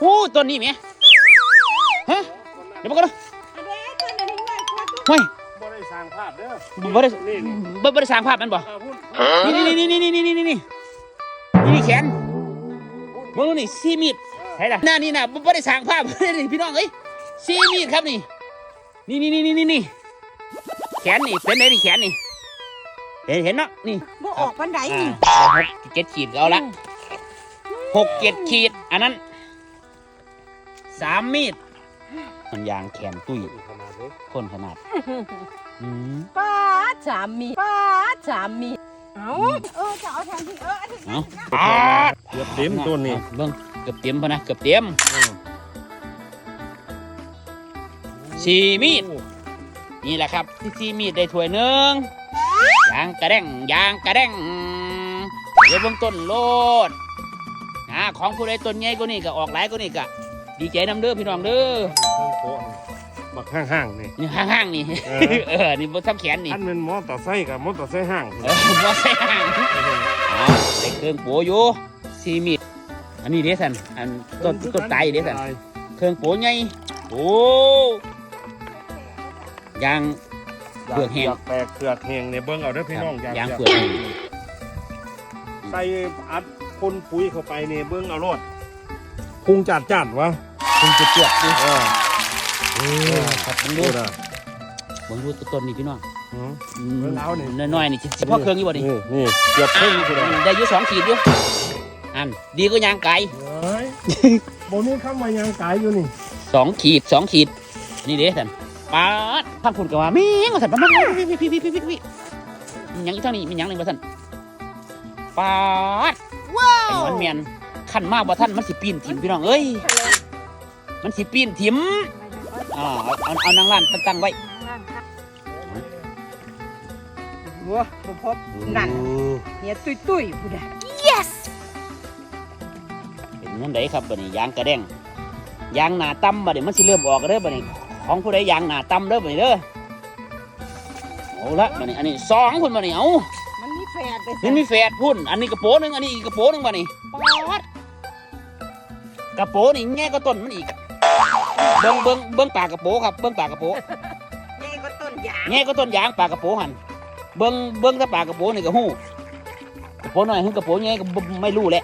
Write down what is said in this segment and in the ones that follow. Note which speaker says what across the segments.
Speaker 1: โอ้ต้นนี้ไหมฮะเดี๋ยวมาก่อนนะเฮ้ย
Speaker 2: บ่ได้สร้างภาพเด้อ
Speaker 1: บ่ได้สร้างภาพมันบ่นี่แขนมึงดูนี่ซีมีดใช่ล่ะหน้านี่น่ะบ่ได้สร้างภาพนี่พี่น้องเอ้ยซีมีดครับนี่แขนนี่เป็นไงนี่แขนนี่เห็นเนาะนี่
Speaker 3: บ่ออกปันไดนี่
Speaker 1: 6-7 ขีดเอาละ6-7 ขีดอันนั้น3 มีดมันยางแขนตุ้ยคนขนาด
Speaker 3: ป้าสามีเอาจะเอาทางที่
Speaker 1: เกือบ
Speaker 2: เต็มต้นนี่
Speaker 1: เบิ่งเกือบเต็มพอนะเกือบเต็ม4 มีดนี่แหละครับ4 มีดได้ถ้วยหนึ่งยางกระแดงเดี๋ยวเบิ่งต้นโลดของผู้ใดต้นใหญ่กว่านี้ก็ออกหลายกว่านี้ก็ดีใจนำเด้อพี่น้องเด้อ
Speaker 2: บักห้างนี่
Speaker 1: นี่ห้างนี่นี่บนทับแขนนี่
Speaker 2: อันเป็นมอเตอร์ไซค์กับมอเตอร์ไซค์ห้าง
Speaker 1: มอไซค์ห้างได้เครื่องโปอยู่4 มีดอันนี้เด้สันอันต้นไตเด้สันเครื่องโปใหญ่โอ้ยางเปลือกแห้ง
Speaker 2: แตกเปลือกแห้งเนี่ยเบิ่งเอาเด้อพี่น้อง
Speaker 1: ยางเปลือกแห้ง
Speaker 2: ใส่อัดพ่นปุ๋ยเข้าไปเนี่ยเบิ่งเอารอดพุงจัดวะ
Speaker 1: พุงเจือดดิครับเบิ่งดูต้นนี่พี่น้องน้อยๆนี่เฉพาะเครื่องอยู่บ่นี่
Speaker 2: เกือบครึ่ง
Speaker 1: ได้อยู่2 ขีดอยู่อันดีก็ยางไก่
Speaker 2: บ่มีคำว่ายางไก่อยู่นี่
Speaker 1: 2 ขีดนี่เด้ท่านป๊าดท่านพูดกันว่าแม่งว่าท่านมาพี่มันยังอยู่ทางนี้มันยังนึงว่าท่านป๊าดว้าวมันเมียนขั้นมากว่าท่านมันสิปีนถิ่มพี่น้องเอ้ยมันสิปีนถิ่มเอานางล้านตั้งไว้
Speaker 3: วัวพบนั่นเนี่ยตุ้ยผู้ใด yes
Speaker 1: เป็นนั่นไดครับบัดนี้ยางกระแดงยางหนาต่ำบัดนี้มันสิเริ่มออกเด้อบัดนี้ของผู้ใดยางหนาต่ำเด้อบัดนี้เด้อเอาละบัดนี้อันนี้2คนบัดนี้เอา
Speaker 3: มันมีแฝด
Speaker 1: พุ่นอันนี้กระโปรงนึงอันนี้อีกกระโปรงนึงบัดนี้ป๊อดกระโปรงนี่แง่ก็ต้นมันอีกเบิ้งปากกระโปรงครับเบิ้งปากกระโปรง
Speaker 3: แง่ก็ต้น
Speaker 1: ยางปากกระโปรงหันเบิ้งถ้าปากกระโปรงนี่ก็หู้กระโปรงน้อยกระโปรงแง่ก็ไม่รู้แหละ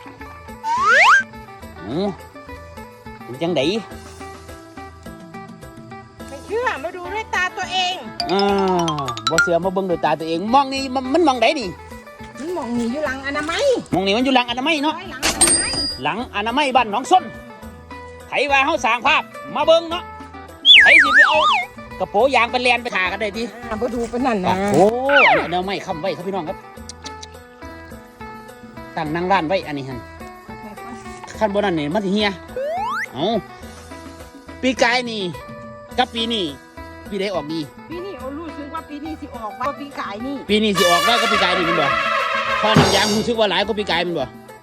Speaker 1: จังได
Speaker 3: ไม่เชื่อมาดูด้วยตาตัวเอง
Speaker 1: บ่เสือมาเบิ้งด้วยตาตัวเองมองนี่มันมองไดนี่
Speaker 3: มันมองนี่อยู่หลังอนามัย
Speaker 1: มองนี่มันอยู่หลังอนามัยเนาะหลังอนามัยบ้านหนองส้นไถว่าเฮาสร้างภาพมาเบิ่งเนาะไถสิไปเอากระโปรงยางไปแลนไปถ่ากันได้ที
Speaker 3: มาดูเป็นนั่นนะ
Speaker 1: โอ้เดี๋ยวไม่ค้ำไว้ครับพี่น้องครับตั้งนั่งร้านไว้อันนี้ฮันขั้นบนนั้นนี่มันสิเฮียปีกายนี่กับปีนี้ปีใดออกดี
Speaker 3: ปีนี้รู้สึกว่าปีนี้สิออกว่าปีกายนี่
Speaker 1: ปีนี้สิออกว่าก็ปีกายนี่มันบ่พอน้ำยางรู้สึกว่าหลายก็ปีกายมันบ่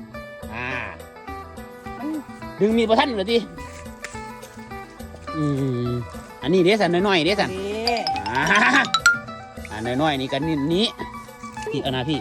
Speaker 1: ดึงมีประทันเหรอทีอันนี้เด้สันน้อยๆเด้สันน้อยๆนี่กันนี้พี่เอานะพี่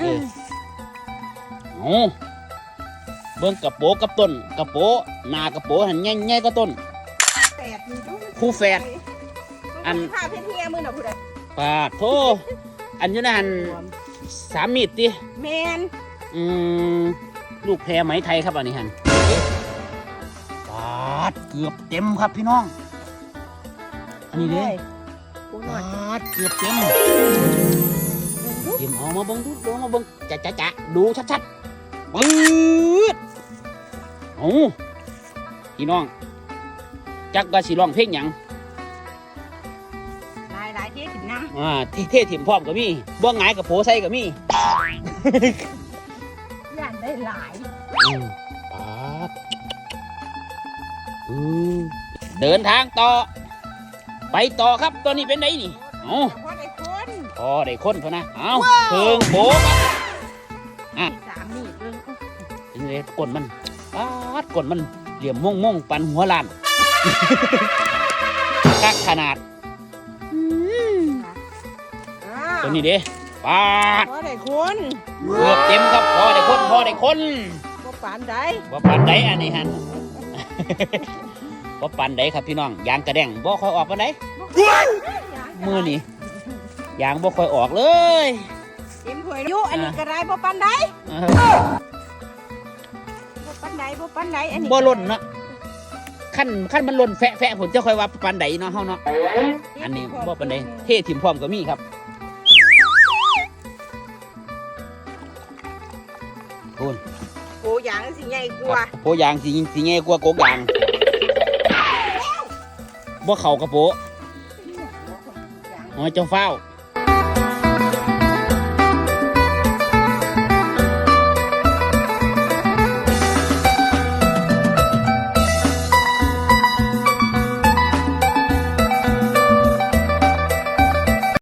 Speaker 1: เบิ้งกระโปกับต้นกระโปหน้ากระโปหันแง่ก็ต้นคู่แฝดอัน
Speaker 3: ข้าเพี้ยมือหน่อยพูดเลย
Speaker 1: ปาดโธอันอยู่นั่น3 มีดดิ
Speaker 3: แมน
Speaker 1: ลูกแพรไหมไทยครับอันนี้ฮันปาดเกือบเต็มครับพี่น้องอันนี้เด้ปาดเกือบเต็มเอามาเบิ้งดูมาเบิ้งจะดูชัดๆปื๊ดพี่น้องจักว่าสิร้องเพลงหยัง
Speaker 3: หลายเท่ถิ่มน้
Speaker 1: ำเท่ถิ่มพร้อมกับมีบ่งายกับโผใส่กับมี
Speaker 3: ย่านได้หลาย
Speaker 1: ปาดเดินทางต่อไปต่อครับตอนนี้เป็นไงนี่
Speaker 3: พอ
Speaker 1: ได้คนพอนะเพิ่งโผล่
Speaker 3: 3 มีด
Speaker 1: เป็นไงก้นมันก้นมันเหลี่ยมม่งปันหัวล้านกักขนาดตัวนี้เด้ปาด
Speaker 3: พอได้คน
Speaker 1: เกือบเต็มครับพอได้คน
Speaker 3: บ่ปานใด
Speaker 1: อันนี้ฮันบ่ปันใดครับพี่น้องยางกระแดงบ่ค่อยออกปานใดมือนี่ยางบ่ค่อยออกเลย
Speaker 3: เต็มถ้วยอยู่อันนี้ก็ได้บ่ปานใดบ่ปานใดบ่ปานใดอันนี้
Speaker 1: บ่ล่นเนาะขั้นมันล่นแฟะผมจะค่อยว่าปานใดเนาะเฮาเนาะอันนี้บ่ปานใดเทถิ่มพร้อมก็มีครับคุณ
Speaker 3: โอ้ยางสิใหญ่กว่า
Speaker 1: โปยางสิแง่กว่าโกกยางบ่เข้ากระโปอ๋อเจ้าเฝ้า